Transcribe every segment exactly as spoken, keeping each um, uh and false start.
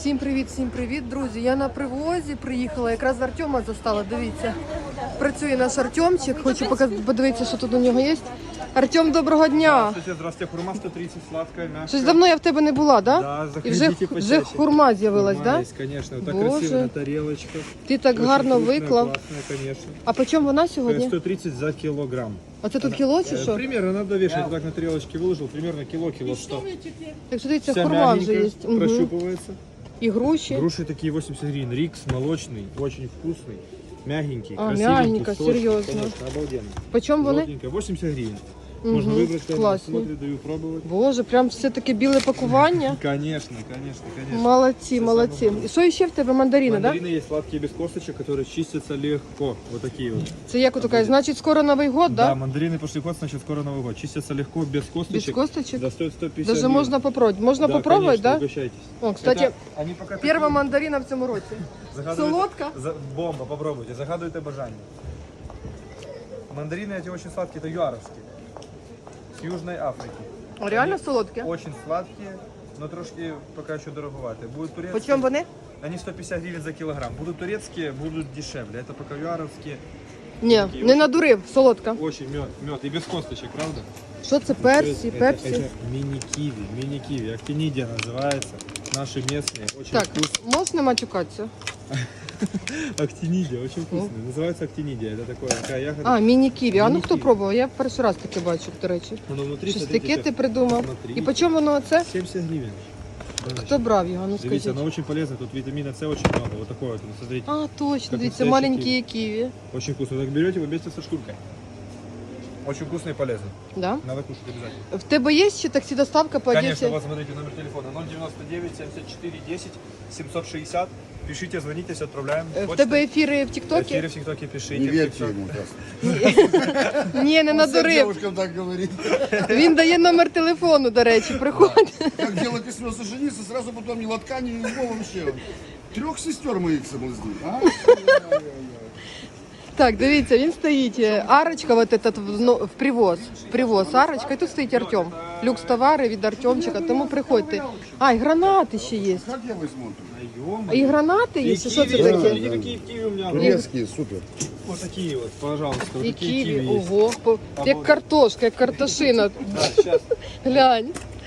Всім привіт, всім привіт, друзі. Я на привозі приїхала, якраз Артема застала. Дивіться, працює наш Артемчик. Хочу показати, подивитися, що тут у нього є. Артем, доброго дня. Здравствуйте, здравствуйте. Хурма сто тридцать, сладкая, мягкая. Щось давно я в тебе не була, да? Да, І вже, заходите вже почаще. хурма з'явилась, Хурма да? есть, конечно. Вот так Боже. красиво на тарелочках. Ти так Очень гарно вкусная, виклав. классная, конечно. А по чому вона сьогодні? сто тридцать за килограмм. Оце тут кіло чи Э, що? Примерно надо вешать. Так на тарелочке выложил. Примерно кило, кило сто. Так що дивіться, Вся хурма вже мягенькая, є. Угу. прощупывается. І груші. Груши такие восемьдесят гривен. Рикс молочный, очень вкусный. Мягенький, А, красивенький, мягенько, сочный, серьезно. Конечно, обалденно. По чому вони? Золотенькая, восемьдесят гривен. Мгм, Можно выбрать, прямо классно. смотрю, даю пробовать. Боже, прям все таке біле пакування. Конечно, конечно, конечно. Молодці, Все молодці. самое главное. І що ще в тебе? Мандарини, так? Да? Мандарины есть сладкие без косточек, которые чистятся легко. Вот такие вот. Це як така, значить, скоро Новий год, Да, да? мандарины пошли ход, значит скоро Новый год. Чистятся легко, без косточек. Без косточек? Да, стоит сто пятьдесят Даже гривен. можна попробовать. Можна Да, попробовать, конечно, да? угощайтесь. О, кстати, Это они пока перша такие. мандарина в цьому році. Загадывайте- Солодка? За- Бомба, попробуйте. Загадывайте бажание. Мандарины эти очень сладкие, это юаровские. С Южной Африки. А реально Они солодкі? Очень сладкие, но трошки пока еще дороговатые. Будут турецкие. По чому вони? Они сто пятьдесят гривен за килограмм. Будут турецкие, будут дешевле. Это пока юаровские. Ні, не надурив, солодка. Очень мед, мед. И без косточек, правда? Що це, персі, Это- пепсі? Это мини-киви, мини-киви. Актинидия называется. Наши местные, очень Так, вкусные. можна матюкатися? Актинидия, очень вкусные. Называется актинидия. Это такое, такая ягода. А, міні-ківі. А ну хто Міні-ківі. пробував? Я перший раз таке бачу, до речі. Оно внутри, Щось смотрите, таке ти как- придумав. Смотри. І по чому воно оце? семьдесят гривен. Хто брав його? Ну Смотрите, скажіть. оно очень полезно. Тут витамина С очень много. Вот такое вот. Смотрите. А, точно, Как дивіться, настоящий маленькі ківі. Очень вкусно. Так берете его вместе со шкуркой. Очень вкусно и полезно. Да? Надо кушать обязательно. В тебе є ще таксі-доставка по Конечно, Одесі? вот смотрите, номер телефона ноль девяносто девять семьдесят четыре десять семьсот шестьдесят. Пишите, звоните, все отправляем. Е, В Почта. тебе ефіри в Эфиры Тіктокі? в ТикТоке пишите. Не верьте всё. ему, просто. Ні, не Всем надурив. девушкам так говорит. Він дає номер телефону, до речі, приходь. Как дело коснется жениться, сразу потом ни лотка, ни его вообще. Трех сестер моих соблазнил. А? Так, дивіться, він стоїть. е, Арочка, вот этот в, ну, в привоз. В привоз Арочка, і тут стоїть Артем. Люкс товари від Артемчика, тому приходьте. А, і гранати ще є. Как я возьму? А і гранати є, И чи що це киви, таке? смотрите, какие киви у меня. Турецкие, супер. Вот такие вот, пожалуйста. Вот І такие ківі, киви есть. ого. по- Як картошка, як картошина. Да, сейчас. Глянь.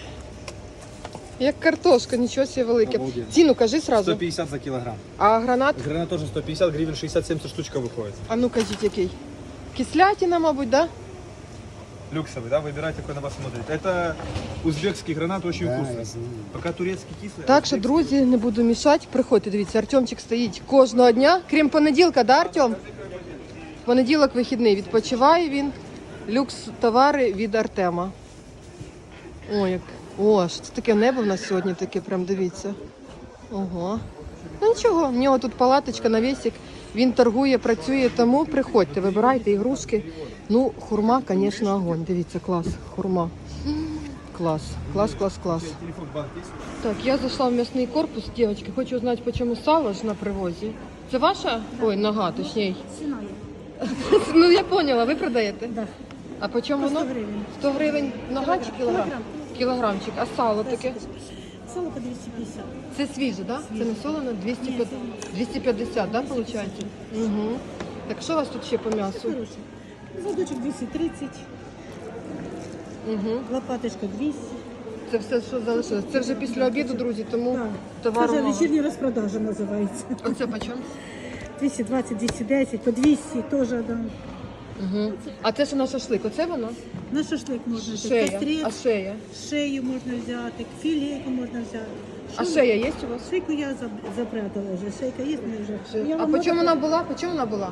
Як картошка, нічого себе велике. Обалденно. Ціну кажи сто сразу. пятьдесят за килограмм. А гранат? Гранат тоже сто пятьдесят гривен, шестьдесят семьдесят штучка выходит. А ну кажіть, який? Кислятина, мабуть, да? Люксовый, да? Выбирайте, какой на вас смотрит. Это узбекский гранат, очень Да, я вкусный. знаю. Пока турецкий кислый. Так а що, узбекский- друзі, не буду мішати. Приходьте, дивіться, Артемчик стоїть кожного дня, крім понеділка, да, Артем? Понеділок вихідний, відпочиває він. Люкс товари від Артема. О, як. О, що це таке небо в нас сьогодні таке, прям дивіться. Ого. Ну нічого, в нього тут палаточка, навісик. Він торгує, працює, тому приходьте, вибирайте ігрушки. Ну, хурма, звісно, огонь. Дивіться, клас, хурма. Клас, клас, клас, клас. Телефон банк есть? Так, я зайшла в м'ясний корпус, дівчатки. Хочу знати, по чому сало ж на привозі. Це ваша? Ой, нога, точніше. Ну, я поняла, ви продаєте? Да. А по чому воно? сто гривень. сто гривень нога чи кілограм? Кілограм. Кілограмчик. А сало таке? Сало по двести пятьдесят. Це свіже, так? Да? Це не солоно? двісті п'ятдесят, двісті п'ятдесят, да, виходить? Угу. Так що у вас тут ще по м'ясу? Хороший. Задочек двести тридцать, Угу. лопаточка двести. Це все, що залишилось. Це вже після обіду, друзі, тому Так. товару Це вже мало. вечірня розпродажа називається. Оце по чому? двести двадцать, двести десять, по двести теж, да. Угу. А це що на шашлик? Оце воно? На шашлик можна взяти. Шея. А Кострець, шея? шею можна взяти, філейку можна взяти. А Що шея є у вас? Шейку я заб- запрятала вже. Шейка є, ми вже. Я А вам по чому надо- вона була? По чому вона була?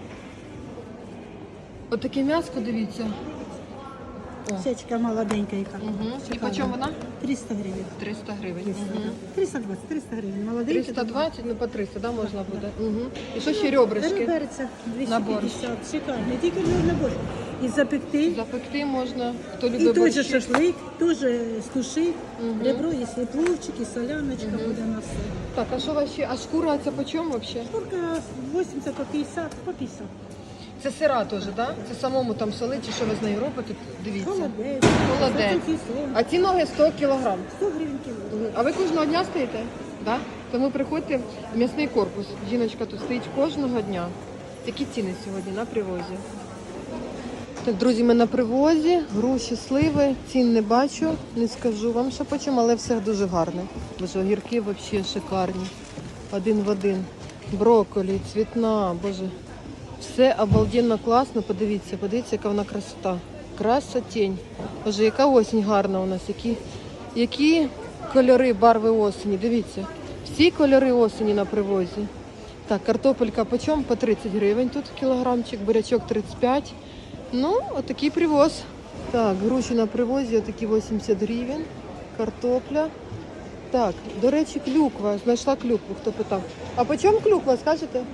От таке м'яско, дивіться. Шечка молоденька яка. Угу. І по чому вона? триста гривень. триста гривень. Угу. триста двадцять, триста гривень. Молоденька. триста двадцять, ну по триста, да, можна буде? Угу. І що ще ребрышки? Перця На борщ. двісті п'ятдесят. Шикарно. Не тільки на борщ. І запекти. Запекти можна, хто І любить той же борщі. шашлик, теж стуши. Мгм. Ребро, якщо і пловчик, і соляночка буде на все. Так, а що у вас ще? А шкура ця по чому взагалі? Курка вісімдесят по п'ятдесят, по п'ятдесят. Це сира теж, так? Да? Це самому там солити, чи що ви з нею робите? Дивіться. Холодець. Холодець. Високий слон. А ці ноги сто кілограм. сто гривень кіло. Мгм. А ви кожного дня стоїте? Да? Тому приходьте в м'ясний корпус. Жіночка тут стоїть кожного дня. Такі ціни сьогодні на привозі. Так, друзі, ми на привозі, груші, сливи, цін не бачу, не скажу вам, що по чому, але все дуже гарне. Боже, огірки взагалі шикарні. Один в один. Брокколі, цвітна, боже. Все обалденно класно, подивіться, подивіться, яка вона красота. Красотень. Боже, яка осінь гарна у нас, які, які кольори, барви осені, дивіться. Всі кольори осені на привозі. Так, картопелька по чому? По тридцять гривень тут кілограмчик, бурячок тридцять п'ять. Ну, отакий привоз. Так, груші на привозі, отакі вісімдесят гривень. Картопля. Так, до речі, клюква. Знайшла клюкву, хто питав. А по чому клюква, скажете?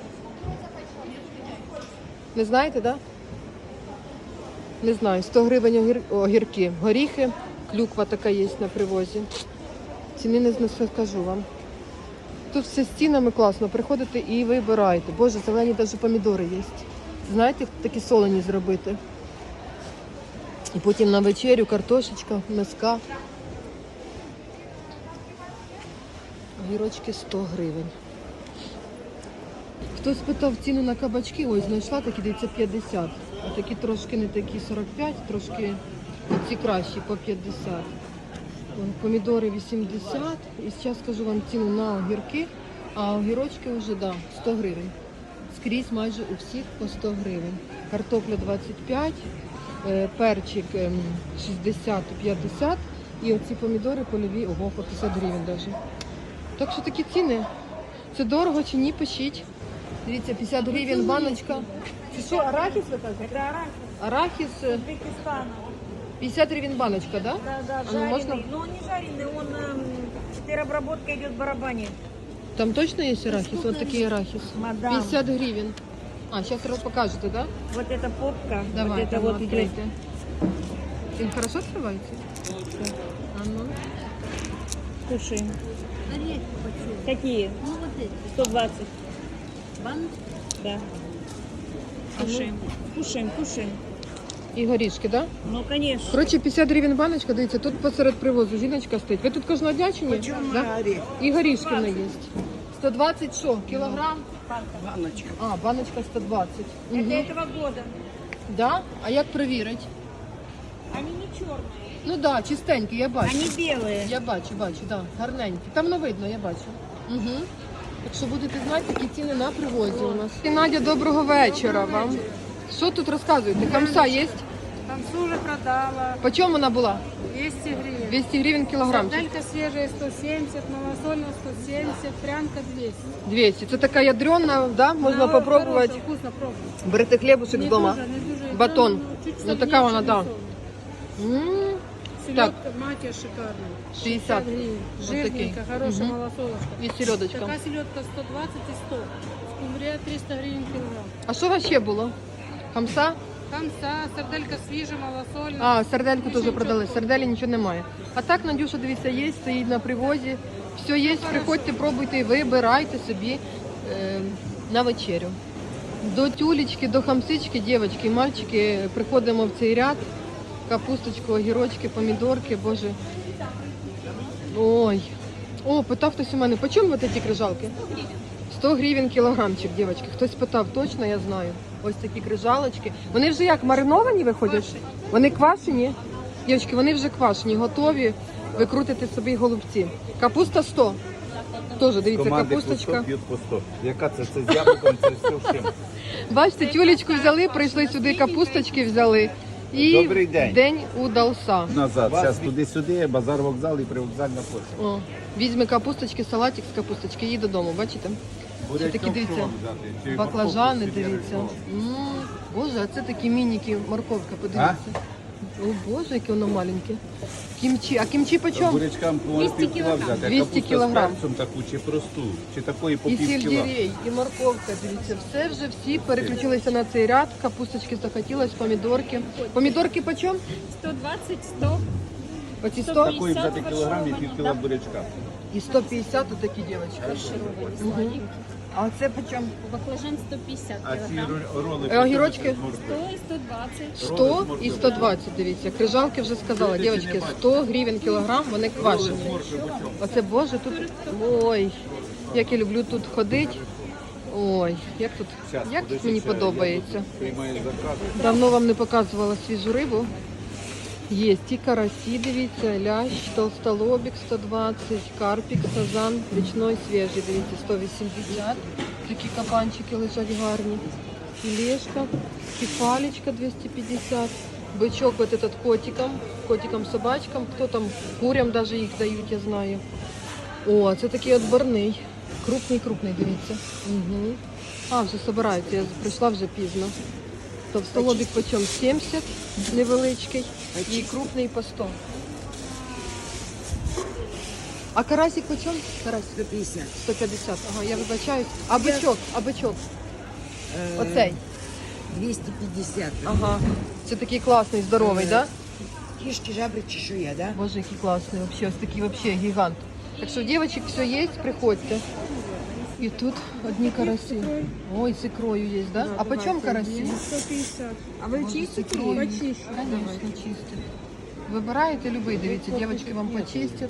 Не знаєте, так? Да? Не знаю. сто гривень огір... огірки. Горіхи. Клюква така є на привозі. Ціни не скажу вам. Тут все з цінами класно. Приходите і вибираєте. Боже, зелені навіть помідори є. Знаєте, такі солені зробити. І потім на вечерю картошечка, миска. Огірочки сто гривень. Хтось питав ціну на кабачки, ось знайшла такі, дивіться, п'ятдесят. А такі трошки не такі сорок п'ять, трошки ці кращі по п'ятдесят. Помідори вісімдесят. І зараз скажу вам ціну на огірки, а огірочки вже, да, сто гривень. Скрізь майже у всіх по сто гривень. Картопля двадцять п'ять, перчик шістдесят п'ятдесят і оці помідори польові, ого, по п'ятдесят гривень навіть. Так що такі ціни. Це дорого чи ні, пишіть. Дивіться, п'ятдесят гривень баночка. Це що, арахіс ви кажете? Это арахис Арахіс Узбекистана. п'ятдесят гривень баночка, да? Да, да, А ну, жареный. можно? Но он не жареный, он эм, теперь обработка идет в барабане. Там точно є арахіс? Ось такий арахіс. Мадам. п'ятдесят гривень. А, зараз покажете, да? Вот это попка, Давай, вот это там вот идет. відкрийте. Він хорошо відкривається? А ну. Кушаем. Какие? сто двадцать. Да. Кушаем. Кушаем, кушаем. І горішки, да? Ну, конечно. Коротше, п'ятдесят гривень баночка, дивіться, тут посеред привозу жіночка стоїть. Ви тут кожного дня чи ні? Да? І горішки не є. сто двадцять що? Кілограм? Баночка. А, баночка сто двадцять. Это Угу. этого года. Да? А як перевірити? Они не черные. Ну так, да, чистенькі, я бачу. Они белые. Я бачу, бачу, да, гарненькі. Там не видно, я бачу. Угу. Так що будете знати, які ціни на привозі у нас. І Надя, доброго вечора вам. Що тут розказуєте? Камса є? Тамсу уже продала. По чому вона була? двести гривен. двісті гривень кілограмчик. Сарделька свежая сто семьдесят, малосольная сто семьдесят, прянка двести. двісті. Це така ядрена, да? Можна Она попробувати. хорошая, вкусно пробуй. Берете хлібушек Не вдома. дуже, не дуже. Батон. Там чуть Ну, сольнее, така вона, чем да. рисовая. М, Селедка матья шикарная. шістдесят. гривен. Вот Жирненькая, такие. хорошая Мгм. малосолочка. І сільодочка. Такая селедка сто двадцать и сто. Скумбрия триста гривен килограмм. А що у вас ще було? Хамса? Камса, сарделька свежая, малосольная. А, сардельку теж продали. Сарделі нічого немає. А так, Надюша, дивіться, є, стоїть на привозі. Все є, приходьте, пробуйте і вибирайте собі е, на вечерю. До тюлечки, до хамсички, дівчатки і мальчики, приходимо в цей ряд. Капусточку, огірочки, помідорки, боже. Ой. О, питав хтось у мене, по чому вот ці крижалки? сто гривень кілограмчик, дівчатки. Хтось питав, точно, я знаю. Ось такі крижалочки. Вони вже як мариновані виходять? Вони квашені? Дівчатки, вони вже квашені, готові. Ви крутите собі голубці. Капуста сто. Теж, дивіться, Команди капусточка. по сто, п'ють по сто. Яка це? Це з яблуком, це все всім. Бачите, тюлечку взяли, прийшли сюди, капусточки взяли. І Добрий день. день удався. Назад. Зараз туди-сюди, базар, вокзал і привокзальна площа. О, візьме капусточки, салатик з капусточки, їй додому, бачите? Ще такі, дивіться, баклажани, дивіться. М, Боже, а це такі мініки, морковка, подивіться. О, Боже, яке воно маленьке. Кімчі, а кімчі по чому? Бурячкам по пів кіла взяти. а двісті капуста кілограм. з перцем таку, чи просту, чи такої по І пів кіла. сельдерей, і морковка, дивіться, все вже всі переключилися на цей ряд. Капусточки захотілось, помідорки. Помідорки по чому? сто двадцать, сто. Оці сто Такої взяти кілограм і пів кіла бурячка. і сто п'ятдесят отакі дівчатки. Угу. А це по чому? Баклажан сто пятьдесят А ці килограмм. ро- роли... Е, огірочки? сто и сто двадцать. сто і сто двадцять, дивіться. Крижалки вже сказала, дівчатки, сто гривень кілограм, вони квашені. Оце, боже, тут, ой, як я люблю тут ходити. Ой, як тут, як тут мені подобається. Приймає заказ. Давно вам не показувала свіжу рибу. Є і карасі, дивіться, лящ, толстолобик сто двадцять, карпік, сазан, річний свіжий, дивіться, сто вісімдесят. Такі кабанчики лежать гарні. Філешка, кефалечка двісті п'ятдесят. Бичок вот этот котикам, котикам, собачкам, хто там, курям даже їх дають, я знаю. О, це такий отборний. Крупний-крупний, дивіться. Угу. А, вже збираються, я прийшла вже пізно. Товстолобик почем сімдесят, невеличкий, і крупний по сто. А карасик почем? Карасик? сто пятьдесят. сто п'ятдесят. Ага, я вибачаюсь. А бичок? А бичок? Оцей? двести пятьдесят. Ага. Це такий класний, здоровий, так? Да? Кишки, жабры, чешуя, да? Боже, який класний вообще, ось такий вообще гігант. Так що, дівчаток, все є, приходьте. І тут одні карасі. Ой, з ікрою є, да? А по чому карасі? сто пятьдесят. А вы чистите? икрой. Почищу. Конечно, чистять. Вибираєте любий, дивіться, дівчатки вам почистять.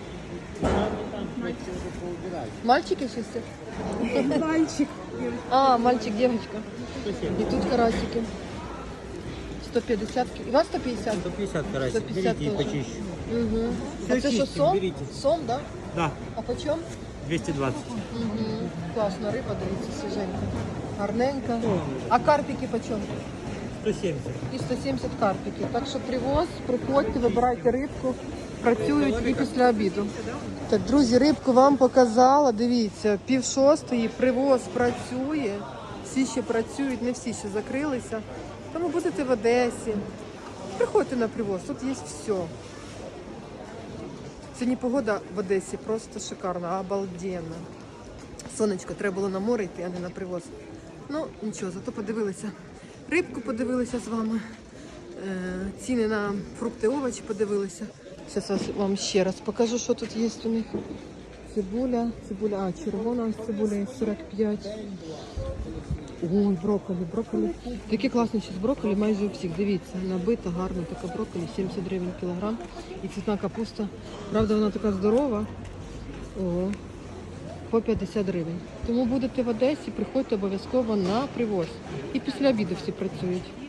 Мальчики чистять? Мальчик. А, мальчик, девочка. И тут карасики. сто п'ятдесят. И вас сто п'ятдесят? сто пятьдесят карасик. сто пятьдесят Берите и тоже. почищу. Угу. Всё А це що, чистим, сом? берите. Сом, да? Да, А по чому? двести двадцать. Угу. Класна риба, дивіться, свіженька. Гарненька. А карпики по чому? сто семьдесят. І сто сімдесят карпики. Так що привоз, приходьте, вибирайте рибку. Працюють і після обіду. Так, друзі, рибку вам показала. Дивіться, пів шостої, привоз працює. Всі ще працюють, не всі ще закрилися. Тому будете в Одесі. Приходьте на привоз, тут є все. Сьогодні погода в Одесі просто шикарна, обалденна. Сонечко, треба було на море йти, а не на привоз. Ну, нічого, зато подивилися. Рибку подивилися з вами. Е, ціни на фрукти, овочі подивилися. Зараз вам ще раз покажу, що тут є у них. Цибуля, цибуля, а, червона ось цибуля є сорок п'ять. Ой, брокколі, брокколі. Такі класні зараз брокколі майже у всіх. Дивіться, набита, гарна така брокколі, сімдесят гривень кілограм. І цвітна капуста. Правда, вона така здорова. О, по п'ятдесят гривень. Тому будете в Одесі, приходьте обов'язково на привоз. І після обіду всі працюють.